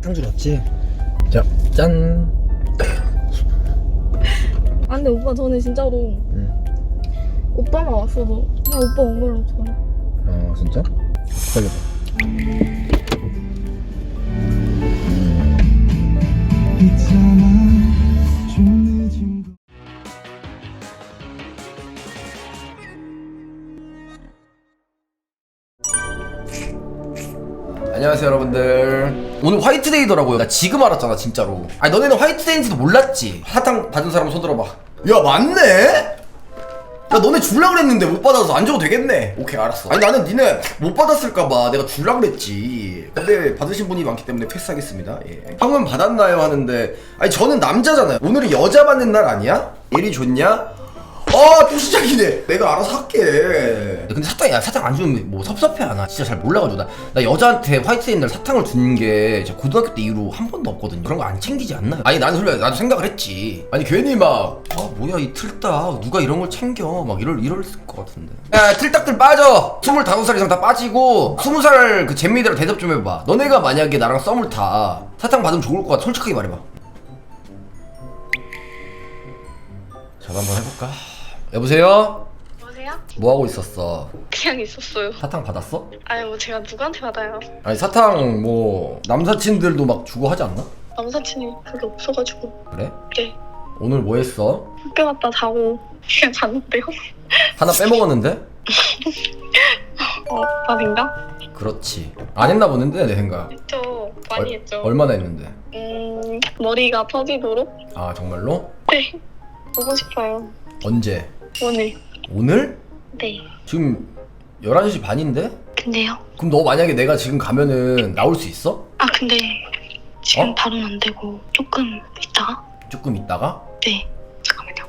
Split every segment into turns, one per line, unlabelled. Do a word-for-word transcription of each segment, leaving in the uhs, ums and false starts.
사탕주 넣었지? 자, 짠.
아 근데 오빠 저는 진짜로
응.
오빠만 왔어도 그냥 오빠 온 걸로 좋아요.
어, 진짜? 기다려봐. 안녕하세요 여러분들. 오늘 화이트데이더라고요. 나 지금 알았잖아 진짜로. 아니 너네는 화이트데이인지도 몰랐지? 사탕 받은 사람 손 들어봐. 야 맞네? 야 너네 줄라 그랬는데 못 받아서 안 줘도 되겠네. 오케이 알았어. 아니 나는 니네 못 받았을까봐 내가 줄라 그랬지. 근데 받으신 분이 많기 때문에 패스하겠습니다. 예. 형은 받았나요? 하는데 아니 저는 남자잖아요. 오늘이 여자 받는 날 아니야? 일이 좋냐? 아 또 시작이네. 내가 알아서 할게. 근데 사탕 야 사탕 안 주면 뭐 섭섭해 안 하? 진짜 잘 몰라가지고 나, 나 여자한테 화이트데이 날 사탕을 준 게 고등학교 때 이후로 한 번도 없거든요. 그런 거 안 챙기지 않나요? 아니 나는 솔직히 나도 생각을 했지. 아니 괜히 막 아 뭐야 이 틀딱 누가 이런 걸 챙겨 막 이럴 이럴 것 같은데. 야 틀딱들 빠져. 스물다섯 살 이상 다 빠지고 스무 살 그 잼미들 대답 좀 해봐. 너네가 만약에 나랑 썸을 타 사탕 받으면 좋을 것 같아. 솔직하게 말해봐. 자 한번 해볼까? 여보세요?
여보세요?
뭐 하고 있었어?
그냥 있었어요.
사탕 받았어?
아니 뭐 제가 누구한테 받아요?
아니 사탕 뭐 남사친들도 막 주고 하지 않나?
남사친이 별로 없어가지고.
그래?
네.
오늘 뭐 했어?
학교 갔다 자고 그냥 잤는데요.
하나 빼먹었는데?
어, 밥인가?
그렇지. 안 했나 보는데 내 생각.
했죠. 많이
얼-
했죠.
얼마나 했는데?
음 머리가 터지도록?
아 정말로?
네. 보고 싶어요.
언제?
오늘.
오늘?
네.
지금 열한 시 반인데?
근데요?
그럼 너 만약에 내가 지금 가면은 나올 수 있어?
아 근데 지금
어?
바로는 안 되고 조금 있다가?
조금 있다가?
네. 잠깐만요.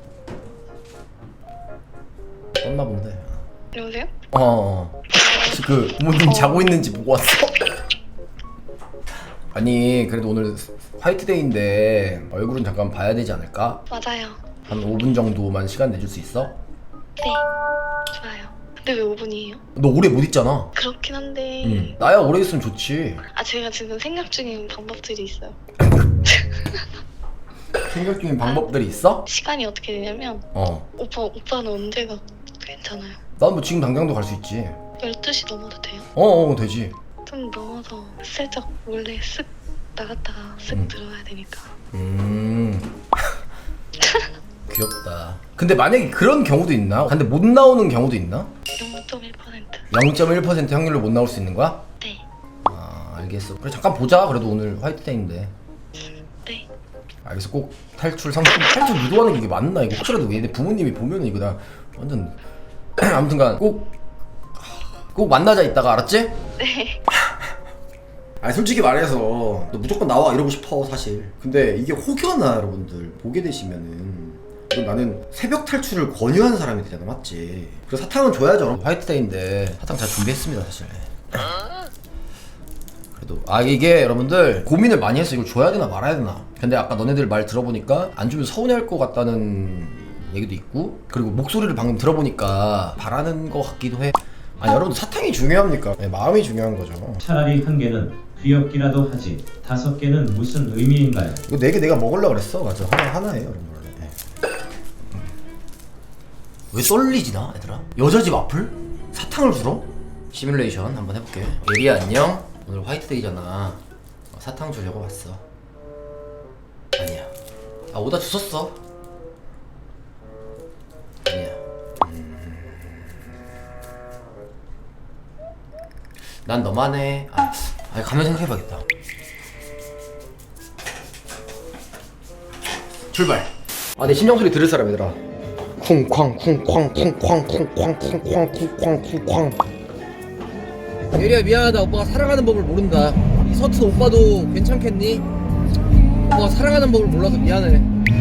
떴나 본데.
여보세요?
어, 어. 혹시 그 부모님
어.
자고 있는지 보고 왔어? 아니 그래도 오늘 화이트데이인데 얼굴은 잠깐 봐야 되지 않을까?
맞아요.
한 오 분 정도만 시간 내줄 수 있어?
네. 좋아요. 근데 왜 오 분이에요?
너 오래 못 있잖아.
그렇긴 한데
응. 나야 오래 있으면 좋지.
아 제가 지금 생각 중인 방법들이 있어요.
생각 중인 방법들이 있어?
시간이 어떻게 되냐면
어.
오빠, 오빠는 언제가 괜찮아요?
난 뭐 지금 당장도 갈 수 있지.
열두 시 넘어도 돼요?
어, 어, 되지.
좀 넘어서 슬쩍 몰래 쓱 나갔다가 쓱
음.
들어와야 되니까.
음. 귀엽다. 근데 만약에 그런 경우도 있나? 근데 못 나오는 경우도 있나?
영 점 일 퍼센트.
영 점 일 퍼센트 확률로 못 나올 수 있는 거야?
네.
아, 알겠어. 그래 잠깐 보자. 그래도 오늘 화이트데이인데.
네.
알겠어. 꼭 탈출 상품 탈출 유도하는 게 이게 맞나? 이거 혹시라도 얘네 부모님이 보면은 이거 나 완전 아무튼간 꼭 꼭 만나자 이따가 알았지?
네.
아니 솔직히 말해서 너 무조건 나와 이러고 싶어 사실. 근데 이게 혹여나 여러분들 보게 되시면은 그럼 나는 새벽 탈출을 권유하는 사람이 되잖아, 맞지? 그래서 사탕은 줘야죠. 화이트데이인데 사탕 잘 준비했습니다 사실. 그래도 아 이게 여러분들 고민을 많이 했어. 이걸 줘야 되나 말아야 되나. 근데 아까 너네들 말 들어보니까 안 주면 서운해할 것 같다는 얘기도 있고, 그리고 목소리를 방금 들어보니까 바라는 것 같기도 해. 아니 여러분들 사탕이 중요합니까? 네, 마음이 중요한 거죠.
차라리 한 개는 귀엽기라도 하지 다섯 개는 무슨 의미인가요?
이거 네 개 내가 먹으려고 그랬어. 맞아. 하나, 하나예요 여러분 원래. 네. 왜 떨리지 나 얘들아? 여자 집 앞을? 사탕을 주러? 시뮬레이션 한번 해볼게. 예리야 안녕. 오늘 화이트데이잖아. 어, 사탕 주려고 왔어. 아니야. 아 오다 주웠어. 아니야. 음... 난 너만 해. 아, 아니 가면 생각해봐야겠다. 출발. 아 내 심장 소리 들을 사람 얘들아. 쿵쾅 쿵쾅 쿵쾅 쿵쾅 쿵쾅 쿵쾅 쿵쾅. 예리야 미안하다. 오빠가 사랑하는 법을 모른다. 이 서툰 오빠도 괜찮겠니? 오빠가 사랑하는 법을 몰라서 미안해.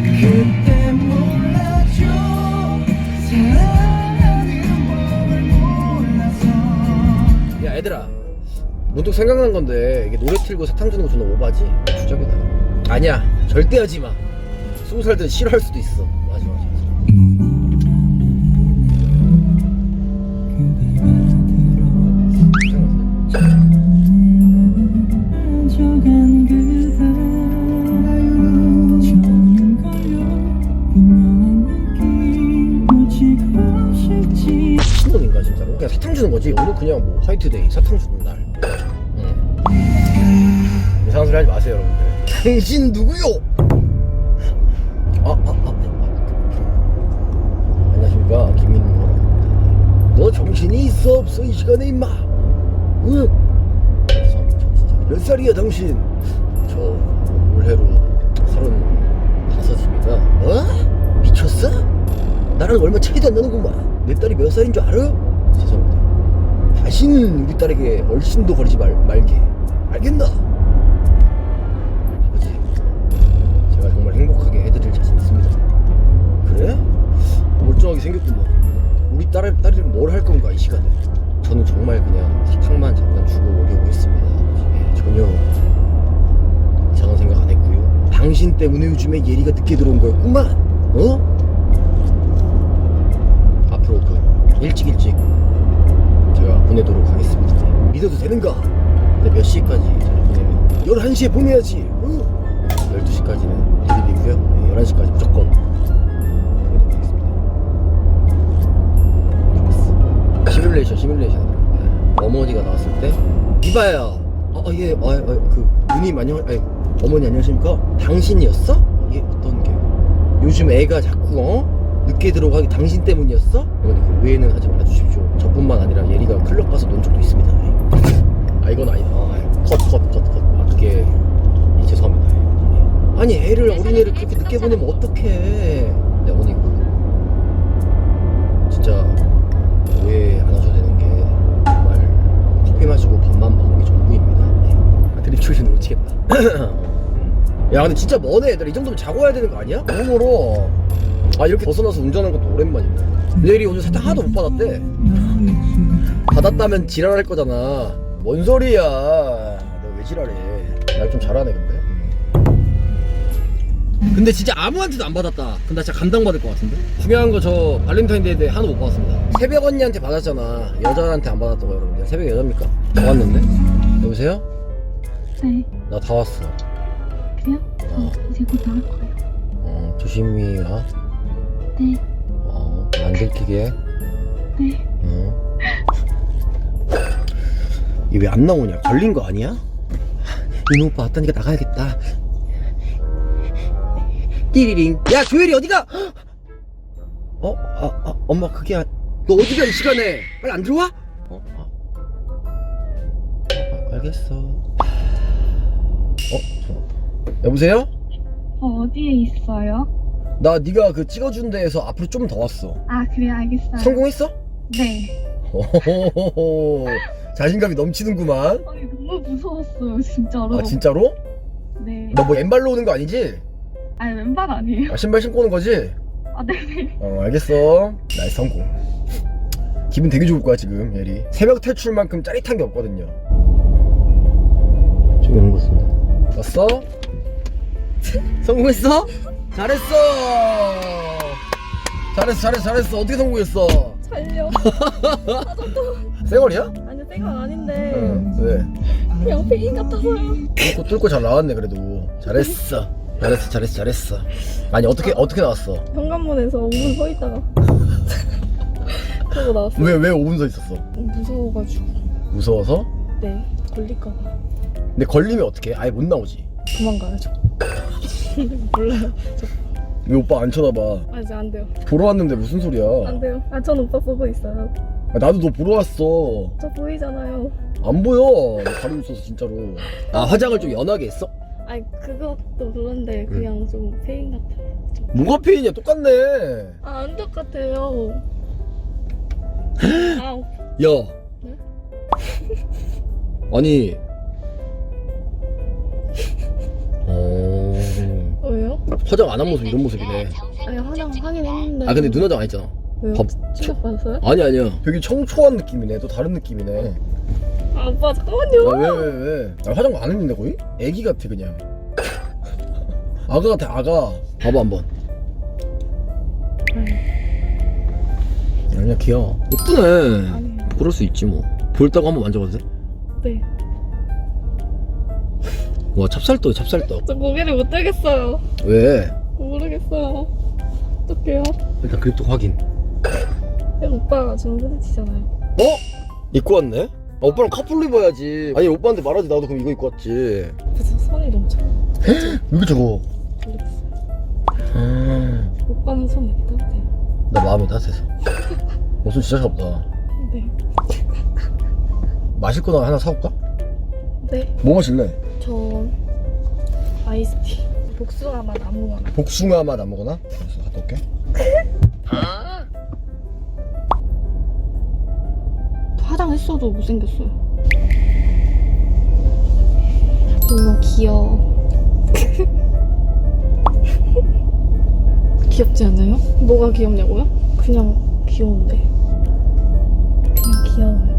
야 얘들아 문득 생각난 건데 이게 노래 틀고 사탕 주는 거 존나 오바지? 주작이다. 아니야 절대 하지마. 스무 살 때 싫어할 수도 있어. 맞아 맞아 맞아.
져가 난 그대 처음 걸려 분명한 느낌 놓치고 싶지.
신놈인가 진짜로? 그냥 사탕 주는 거지. 오늘 그냥 뭐 화이트데이 사탕 주는 날. 응. 이상한 소리 하지 마세요 여러분들. 당신 누구요? 아, 아, 아, 아. 안녕하십니까 김민호. 너 정신이 있어 없어 이 시간에 임마? 응? 몇 살이야 당신? 저 올해로 서른다섯입니다. 어? 미쳤어? 나랑 얼마 차이도 안 나는구만. 내 딸이 몇 살인 줄 알아? 죄송합니다. 다시는 우리 딸에게 얼씬도 거리지 말, 말게. 알겠나? 아버지, 제가 정말 행복하게 해드릴 자신 있습니다. 그래? 멀쩡하게 생겼구만. 우리 딸, 딸이랑 뭘 할 건가 이 시간에. 저는 정말 그냥 사탕만 잠깐 주고 오려고 했습니다. 예, 전혀 이상한 생각 안 했고요. 당신 때문에 요즘에 예리가 늦게 들어온 거였구만. 어? 앞으로 그 일찍 일찍 제가 보내도록 하겠습니다. 믿어도 되는가? 근데 몇 시까지 제가 보내면? 열한 시에 보내야지. 어? 열두 시까지는 비밀이고요. 네, 열한 시까지 무조건 보내도록 하겠습니다. 좋았어. 시뮬레이션 시뮬레이션. 네. 어머니가 나왔을 때 이봐요. 아, 아, 예, 아, 아, 그 누님 안녕, 아니 어머니 안녕하십니까? 당신이었어? 이게 어떤 게? 요즘 애가 자꾸 어? 늦게 들어가기 당신 때문이었어? 어머니 그 오해는 하지 말아주십시오. 저뿐만 아니라 예리가 클럽 가서 논 적도 있습니다. 아 이건 아니다. 컷컷컷컷 아 그게 예, 죄송합니다. 예. 아니 애를 어린애를 그렇게 늦게 보내면 어떡해. 네 어머니 그 진짜 오해 안 하셔도 되는 게 정말 커피 마시고 밥만 먹는 게 전부입니다. 네. 아 드립 출신 놓치겠다. 야 근데 진짜 머네 얘들아. 이 정도면 자고 와야 되는 거 아니야? 너무 멀어. 아 이렇게 벗어나서 운전하는 것도 오랜만이네. 내일이 오늘 사탕 하나도 못 받았대. 받았다면 지랄할 거잖아. 뭔 소리야. 너 왜 지랄해. 날 좀 잘하네 근데. 근데 진짜 아무한테도 안 받았다. 근데 나 진짜 감당받을 것 같은데. 중요한 거 저 발렌타인데이 때 하나도 못 받았습니다. 새벽 언니한테 받았잖아. 여자한테 안 받았던 거 여러분들. 새벽 여자입니까? 다 왔는데? 여보세요?
네.
나 다 왔어.
그래요?
어.
저 이제 곧 나올 거예요.
어 조심히 가.
네.
어, 안 들키게.
네.
어. 이게 왜 안 나오냐? 걸린 거 아니야? 이놈 오빠 왔다니까 나가야겠다. 띠리링. 야 조엘이 어디가? 어? 아, 아 엄마 그게 아... 너 어디가 이 시간에? 빨리 안 들어와? 어? 아. 아, 알겠어. 어? 저... 여보세요?
어, 어디에 있어요?
나 네가 그 찍어준 데에서 앞으로 좀 더 왔어.
아, 그래, 알겠어요.
성공했어?
네.
호호호호. 자신감이 넘치는구만.
아니, 너무 무서웠어요, 진짜로.
아 진짜로?
네.
너 뭐 왼발로 오는 거 아니지?
아니, 왼발 아니에요.
아, 신발 신고 오는 거지?
아, 네네.
어 알겠어. 나이스 성공. 기분 되게 좋을 거야 지금 예리. 새벽 탈출만큼 짜릿한 게 없거든요. 저기 오는 거 같습니다. 왔어? 성공했어? 잘했어. 잘했어 잘했어 잘했어. 어떻게 성공했어?
잘려.
쌩얼이야?
아니 생각 아닌데
응. 왜?
그냥 페인 같아서요.
뚫고 뚫고 잘 나왔네 그래도. 잘했어. 잘했어 잘했어 잘했어. 아니 어떻게 어떻게 나왔어?
현관문에서 오 분 서 있다가 그러고 나왔어요.
왜 왜 오 분 서 있었어?
무서워가지고.
무서워서?
네, 걸릴까봐.
근데 걸리면 어떡해? 아예 못 나오지.
도망가야죠. 몰라요. 저
왜 오빠 안 쳐다봐?
아직 안 돼요.
보러 왔는데 무슨 소리야?
안 돼요. 아, 전 오빠 보고 있어요.
아, 나도 너 보러 왔어.
저 보이잖아요.
안 보여. 너 가리고 있어서 진짜로. 아 화장을 좀 연하게 했어?
아니 그것도 그런데 그냥 좀 페인 같아요. 저-
뭐가 페인이야? 똑같네.
아, 안 똑같아요. 아,
야.
네?
아니. 어.
왜요?
화장 안 한 모습 이런 모습이네.
아니 화장 하긴 했는데.
아 근데 눈 화장 안 했잖아.
왜요?
밥-
충격받았어요?
아니 아니야. 되게 청초한 느낌이네. 또 다른 느낌이네.
아, 오빠 잠깐만요.
아 왜 왜 왜? 아, 화장 안 했는데 거의? 애기 같아 그냥. 아가 같아 아가. 봐봐 한번. 아니야 귀여워. 예쁘네.
아니에요.
그럴 수 있지 뭐. 볼따고 한번 만져봐도 돼?
네.
와 찹쌀떡 찹쌀떡.
저 고개를 못 들겠어요.
왜?
모르겠어요. 어떡해요?
일단 그립톡 확인.
이거 오빠가 주는 소세지잖아요.
어? 입고 왔네? 아, 오빠랑 커플로 입어야지. 아니 오빠한테 말하지 나도 그럼 이거 입고 왔지.
그래서 손이 너무 차요.
이거 저거.
모르겠어요.
아,
오빠는 손 이렇게 따뜻해요.
나 마음이 따뜻해서. 어, 손 진짜 차갑다.
네.
마실 거 하나 사올까?
네.
뭐 마실래?
저 아이스티. 복숭아 맛 아무거나.
복숭아 맛 아무거나? 알았어, 갔다 올게.
화장했어도 못생겼어요. 너무 귀여워. 귀엽지 않아요? 뭐가 귀엽냐고요? 그냥 귀여운데. 그냥 귀여워요.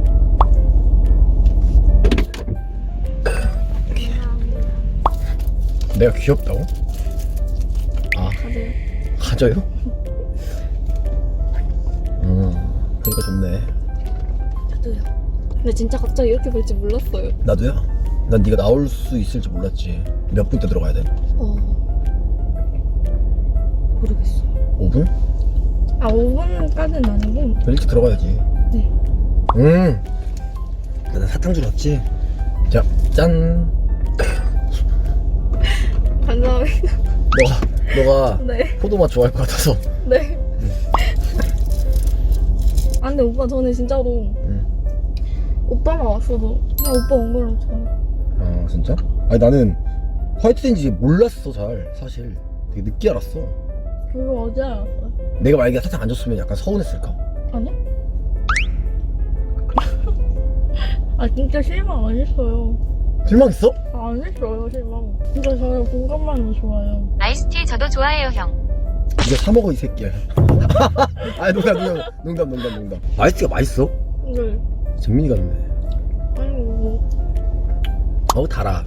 내가 귀엽다고? 아,
가세요.
가져요? 음, 그러니까 좋네.
저도요. 근데 진짜 갑자기 이렇게 볼 줄 몰랐어요.
나도야. 난 네가 나올 수 있을지 몰랐지. 몇 분 때 들어가야 돼?
어. 모르겠어요.
오 분?
아, 오 분까지는 아니고.
일찍 들어가야지.
네.
음. 나 사탕 주러 왔지? 자, 짠.
감사합니다.
너가, 너가
네.
포도맛 좋아할 것 같아서.
네. 아, 근데 오빠 저는 진짜로
응.
오빠만 왔어도 그냥 오빠 온 걸로 좋아요.
아, 진짜? 아니, 나는 화이트데이인지 몰랐어, 잘. 사실. 되게 늦게 알았어.
그거 어제 알았어요.
내가 만약에 사탕 안 줬으면 약간 서운했을까?
아니야? 아, 진짜 실망 안 했어요.
실망했어?
아, 안 했어요, 실망. 진짜 저는 공감만도 좋아요.
아이스티 저도 좋아해요 형.
이거 사 먹어 이 새끼야. 아니 농담 농담 농담 농담 농담. 아이스티가 맛있어?
네.
재민이 같네.
아이고.
어우 달아.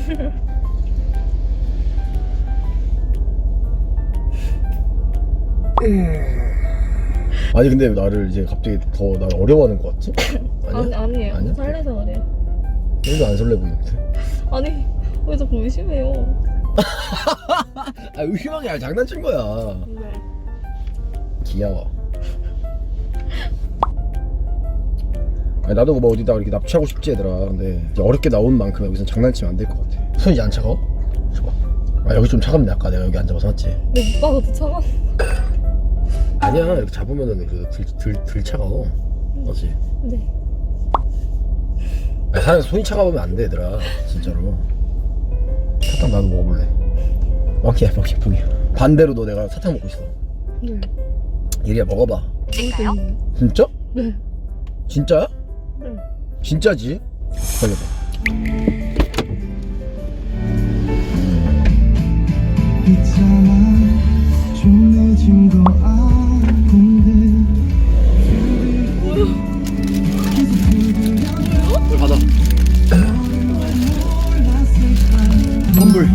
아니 근데 왜 나를 이제 갑자기 더 나를 어려워하는 것 같지?
아니,
아니야?
아니에요.
아니야?
설레서 그래요.
너도 안 설레 보이는데.
아니, 왜 자꾸 의심해요?
아 의심하게 아니라 장난친 거야.
네.
귀여워. 아니 나도 뭐 어디다 이렇게 납치하고 싶지 얘들아. 근데 이제 어렵게 나온 만큼 여기서 장난치면 안 될 것 같아. 손이 이제 안 차가워? 줘봐. 아 여기 좀 차갑네. 아까 내가 여기 앉아봐서 맞지?
근데 오빠가 더 차가.
아니야 이렇게 잡으면은 그래도 덜, 덜, 덜 차가워. 맞지?
네.
아니, 사람이 손이 차가우면 안 돼 얘들아. 진짜로. 사탕 나도 먹어볼래. 먹기야 먹기 먹기. 반대로 너 내가 사탕 먹고 있어.
네.
예리야 먹어봐.
찍까요?
음,
진짜?
네.
진짜야?
네.
진짜지? 걸려봐.
있잖아 좀 늦은 거 아는데
물 받아. 선물.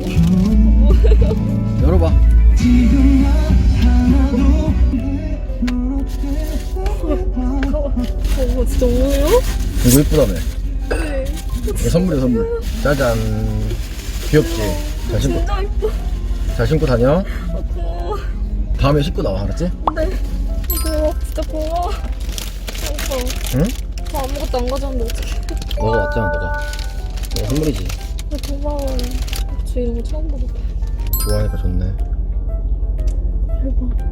열어봐.
지금 하나도 넌 어때
어, 진짜 뭐예요?
이거 예쁘다며.
네.
이거 선물이야 선물. 짜잔. 귀엽지? 잘 신고
진짜 이뻐.
잘 신고 다녀.
아, 고마워.
다음에 신고 나와 알았지?
네. 고마워. 진짜 고마워. 오빠.
응?
저 아무것도 안 가져왔는데 어떡해.
너가 왔잖아 너가. 너가 선물이지.
아, 고마워요. 저 이런 거 처음 보고.
좋아하니까 좋네.
대박.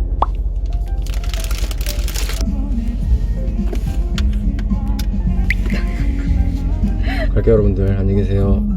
갈게요 여러분들. 안녕히 계세요.